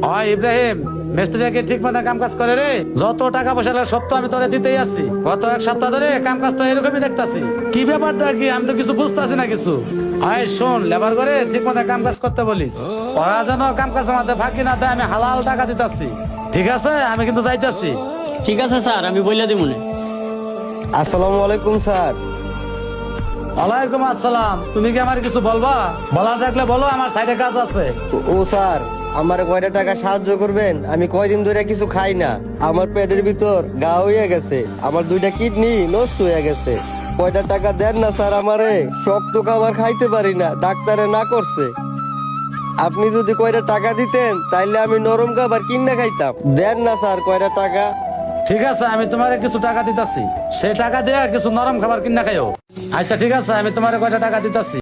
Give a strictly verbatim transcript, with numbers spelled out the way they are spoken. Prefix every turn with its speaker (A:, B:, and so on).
A: হয় ইব্রাহিম, মিস্ত্রিকে ঠিক মতো কাম কাজ করে রে। যত টাকা পয়সা লাগে সব তো আমি তোরে দিতেই আছি। গত এক সপ্তাহ ধরে কাম কাজ তো এরকমই দেখতাছি। কি ব্যাপারটা কি আমি তো কিছু বুঝতেছি না কিছু। হয় শোন, লেবার করে ঠিক মতো কাম কাজ করতে বলিস। ওরা যেন কাম কাজ আমাদের ফাঁকি না দেয়, আমি হালাল টাকা দিতাছি। ঠিক আছে, আমি কিন্তু যাইতাছি।
B: ঠিক আছে স্যার, আমি বইলা দিব না।
C: আসসালামু আলাইকুম স্যার।
A: ওয়ালাইকুম আসসালাম। তুমি কি আমার কিছু বলবা? বলার থাকলে বলো, আমার সাইডে কাজ আছে।
C: ও- ও স্যার, আমার কয়টা টাকা সাহায্য করবেন? আমি কয়দিন ধরে কিছু খাই না, আমার পেটের ভিতর গা হয়ে গেছে, আমার দুইটা কিডনি নষ্ট হয়ে গেছে। কয়টা টাকা দেন না স্যার আমারে, শক্ত খাবার খাইতে পারি না, ডাক্তারে না করছে। আপনি যদি কয়টা টাকা দিতেন তাইলে আমি নরম খাবার কিনে খাইতাম। দেন না স্যার কয়টা টাকা।
A: ঠিক আছে, আমি তোমার কিছু টাকা দিতাছি। সেই টাকা দিয়ে কিছু নরম খাবার কিনা খাইও। আচ্ছা ঠিক আছে, আমি তোমার কয়টা টাকা দিতাছি।